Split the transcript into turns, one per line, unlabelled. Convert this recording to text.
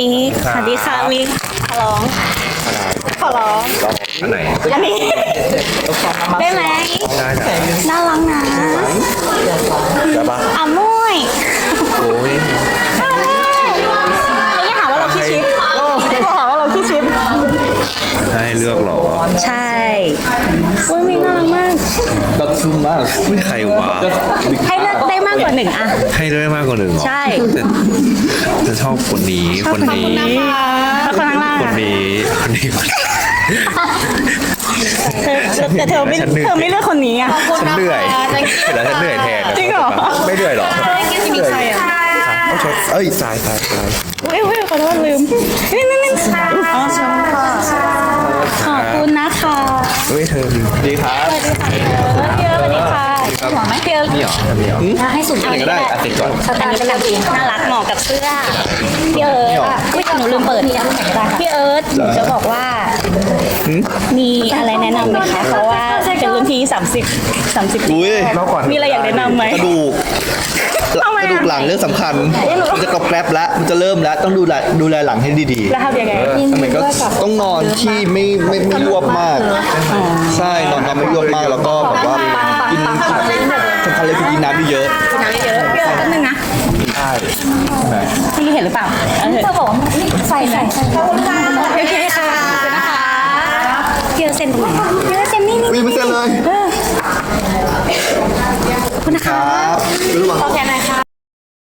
มิกสวัสดีค่ะมิกขอร้อง
อันไหน
อันนี้ได้ไหม
ได้จ้ะ
น่ารักนะ
ได้ปะ
อ่ะมุ้ย
โอ้ย
นี่หาว่าเราขี้ชิปหาว่าเราขี้ชิป
ให้เลือกเหรอ
ใช่อุ้ยมิกน่ารักมาก
Dat is zo maar.
ไม่ใครวะ
ให้เลือกได้มากกว่าหนึ่งอะ
ให้ได้มากกว่าหนึ่งเหรอ
ใช่
แต่จะชอบคนนี้คนนี้
แล้วคนข้างล่าง
คน
อะ
นี้คนนี้
แต่เธอไม่
ฉันเหนื่อย
เธอไม่เลือกคนนี้อะ
ฉันเหนื่อยเห็นแล้วฉันเหนื่อยแทน
จริงเหรอ
ไม่เหนื่อยหรอ
มีใครอะ
ต้องใช้เอ้ยตาย
อุ้ยขอโทษลืมนี่อ๋อขอบคุณนะคะ
เฮ้ยเธอดี
Die gaat.
พี่เอิร์ธสวัสดีค่ะหัวไหมพี่เอิร์ธ
นี่เหรอทำนี่เหรอ
ให้สุด
อันไหนก็ได้อ่ะติดก่อน
สตาร์ทกันดีน่ารักเหมาะกับเสื้อพี่เอิร์ธอุ้ยหนูลืมเปิดพี่เอิร์ธหนูจะบอกว่า มีอะไรแนะนำไหมคะเพราะว่าเป็นรุ่นพี่30
อุ้ย
มีอะไรอยากแนะนำไหม
กระดูก
ทำไม
ก
อะ
ระดูกหลังเรื่องสำคัญ มันจะกรอบแกรบแล้ว มันจะเริ่มแล้ว ต้องดูแลหลังให้ดี
แล้วทำยังไง
ๆทำไมก็ต้องนอนที่ไม่รวบมาก ใช่นอนไม่รวบมากแล้วก็แบบว่ากินสำคัญเลยคือกินน้ำเยอะ
น้ำเยอะพี่เอิร์ธแป๊บนึงนะ
ใช่
พี่เห็นหรือเปล่าเธอบอกใส่ขอบคุณค่ะโอเคค่ะนะคะพี่เอิร์ธเซ็นตรงไหนพี่เอิร์ธเซ็นนี่
วิ่งไม่เสร็จเลย
ขอบคุณนะ
ค
คะ
รับรู้ป่ะ
ขอแทนหน่อยค่ะ